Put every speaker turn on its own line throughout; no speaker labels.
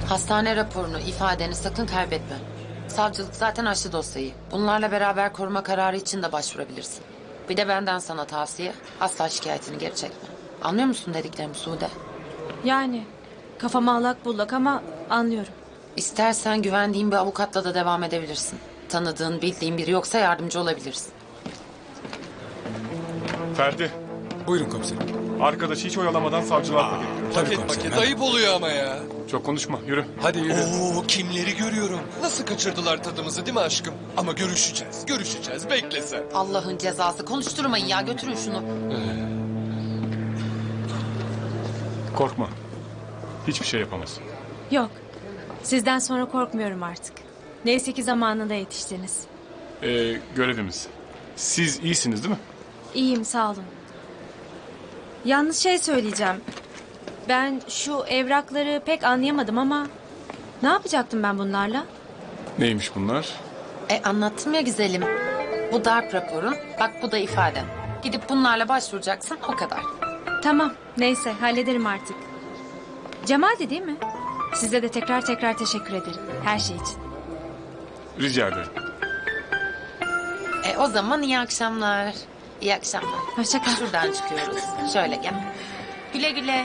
Hastane raporunu, ifadeni sakın kaybetme. Savcılık zaten açtı dosyayı. Bunlarla beraber koruma kararı için de başvurabilirsin. Bir de benden sana tavsiye, asla şikayetini geri çekme. Anlıyor musun dediklerimi Sude?
Yani kafam allak bullak ama anlıyorum.
İstersen güvendiğin bir avukatla da devam edebilirsin. Tanıdığın, bildiğin biri yoksa yardımcı olabilirsin.
Ferdi,
Buyurun komiserim.
arkadaşı hiç oyalamadan savcılığa paket.
Tabii
Paket
komiserim.
paket ayıp oluyor ama ya.
Çok konuşma, yürü.
Hadi yürü.
Oo, kimleri görüyorum. Nasıl kaçırdılar tadımızı değil mi aşkım? Ama görüşeceğiz. Bekle sen.
Allah'ın cezası. Konuşturmayın ya, götürün şunu.
Korkma. Hiçbir şey yapamaz.
Yok. Sizden sonra korkmuyorum artık. Neyse ki zamanında yetiştiniz.
Görevimiz. Siz iyisiniz değil mi?
İyiyim sağ olun. Yalnız şey söyleyeceğim. Ben şu evrakları pek anlayamadım ama... Ne yapacaktım ben bunlarla?
Neymiş bunlar?
Anlattım ya güzelim. Bu darp raporun, bak bu da ifaden. Gidip bunlarla başvuracaksın, o kadar.
Tamam neyse hallederim artık. Cemal'di değil mi? Size de tekrar teşekkür ederim. Her şey için.
Rica ederim.
O zaman iyi akşamlar. İyi akşamlar.
Hoşça kal.
Şuradan çıkıyoruz. Şöyle gel. Güle güle.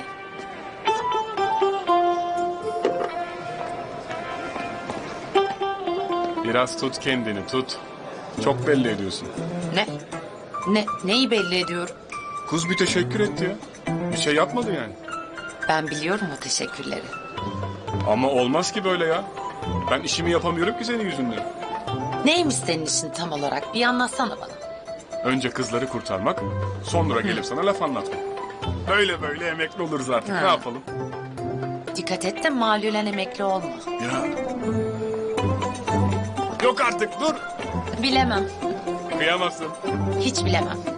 Biraz tut kendini, tut. Çok belli ediyorsun.
Neyi belli ediyorum?
Kız bir teşekkür etti ya. Bir şey yapmadı yani.
Ben biliyorum o teşekkürleri.
Ama olmaz ki böyle ya. Ben işimi yapamıyorum ki senin yüzünden.
Neymiş senin işin tam olarak? Bir anlatsana bana.
Önce kızları kurtarmak, sonra gelip sana laf anlatmak. Böyle emekli oluruz artık. Ne yapalım?
Dikkat et de malülen emekli olma.
Ya. Yok artık, dur.
Bilemem.
Kıyamazsın.
Hiç bilemem.